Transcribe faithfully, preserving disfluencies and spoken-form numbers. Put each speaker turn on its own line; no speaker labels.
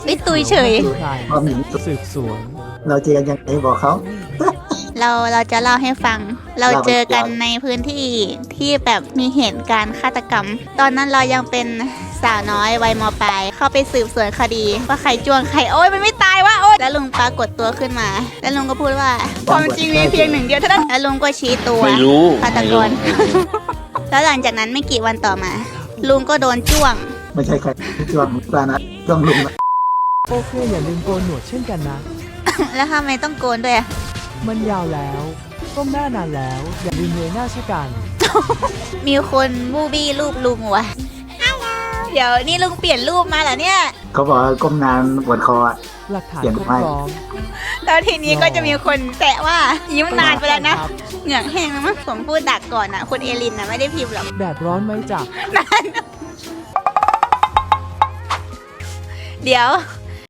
ไม่ตุยเฉย
ใคร
ว่ามี
สืบสวน
เราเจอกันยังไงบอกเขา
เราเราจะเล่าให้ฟัง เรา
เล่าไป
เจอกันในพื้นที่ที่แบบมีเหตุการณ์ฆาตกรรม ตอนนั้นเรายังเป็นสาวน้อยวัยมปลาย เข้าไปสืบสวนคดี ว่าใครจ้วงใครโอ๊ยมันไม่ตายวะโอ๊ยแล้วลุงปรากฏตัวขึ้นมา แล้วลุงก็พูดว่าความจริงมีเพียงหนึ่งเดียวเท่านั้นแล้วลุงก็ชี้ตัว
ไม่รู้
ฆาตกร แล้วหลังจากนั้นไม่กี่วันต่อมา ลุงก็โดนจ้วง
ไม่ใช่ใครช่วงปลานะช่วงลุงนะ
โอเคอย่าลืมโกนหนวดเช่นกันนะ
แล้วทำไมต้องโกนด้วยอะ
มันยาวแล้วก้มหน้านานแล้ว อย่าลืมเงยหน้าเช่นกัน
มีคนบูบี้รูปลุงวะเดี๋ยวนี่ลุงเปลี่ยนรูปมาเหรอเนี่ย
เขาบอกว่าก้มนานปวดคออะ
หลักฐาน
เปลี่ยน
ครบ
ไป
พร้อม
แล้วทีนี้ก็จะมีคนแซะว่ายิ้มนานไปแล้วนะ
ครับ
เหงือกแห้งแล้วมั้งผมพูดดักก่อนอ่ะ คุณเอลินนะไม่ได้พิมพ์หรอก
แดดร้อนไหมจ๊ะ
เดี๋ยว